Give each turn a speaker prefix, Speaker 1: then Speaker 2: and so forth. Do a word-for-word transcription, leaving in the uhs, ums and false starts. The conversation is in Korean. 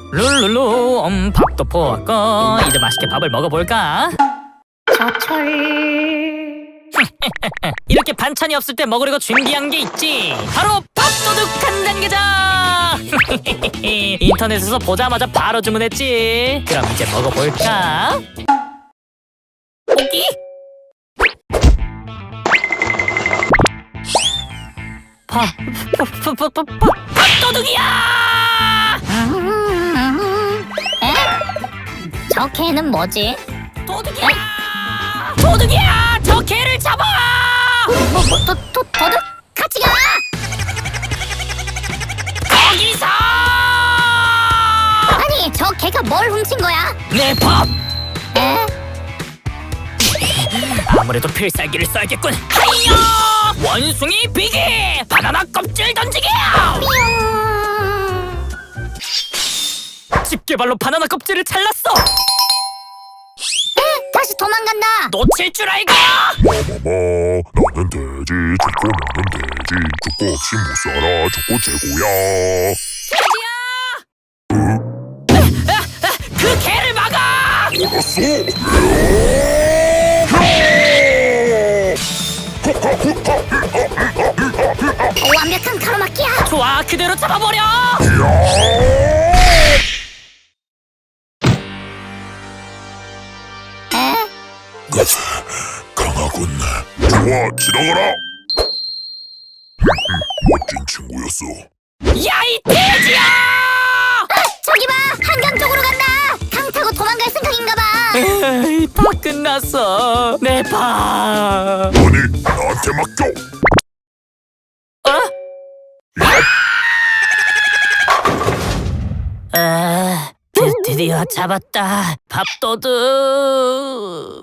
Speaker 1: 룰루루 음, 밥도 포왔고 이제 맛있게 밥을 먹어볼까?
Speaker 2: 저철.
Speaker 1: 이렇게 반찬이 없을 때 먹으려고 준비한 게 있지. 바로 밥도둑 간장게장. 인터넷에서 보자마자 바로 주문했지. 그럼 이제 먹어볼까? 오기? 밥, 밥, 밥, 밥, 밥, 밥, 밥도둑이야!
Speaker 2: 음, 에? 저 개는 뭐지?
Speaker 1: 도둑이야! 도둑이야! 저 개를 잡아!
Speaker 2: 뭐, 뭐, 도, 도, 도둑? 같이 가!
Speaker 1: 거기서!
Speaker 2: 아니, 저 개가 뭘 훔친 거야?
Speaker 1: 내 밥!
Speaker 2: 에?
Speaker 1: 아무래도 필살기를 써야겠군. 하이야! 원숭이 비기! 바나나 껍질 던지기!
Speaker 2: 뿅!
Speaker 1: 집게발로 바나나 껍질을 잘랐어!
Speaker 2: 에? 다시 도망간다!
Speaker 1: 놓칠 줄 알고!
Speaker 3: 어머머 나는 돼지 죽고 나는 돼지 죽고 없이 못 살아 죽고 최고야.
Speaker 1: 돼지야! 그 개를 막아!
Speaker 3: 알았어.
Speaker 2: 오, 완벽한 가로막기야!
Speaker 1: 좋아, 그대로 잡아버려!
Speaker 2: 에?
Speaker 3: 가자 강하군. 좋아 지나가라. 멋진 친구였어.
Speaker 1: 야, 이 돼지야!
Speaker 2: 아, 저기 봐! 한강 쪽으로 간다! 강 타고 도망갈 생각인가 봐!
Speaker 1: 에이, 다 끝났어. 내 밥.
Speaker 3: 아니 나한테 맡겨.
Speaker 1: 어? 아, 드, 드디어 잡았다. 밥도둑.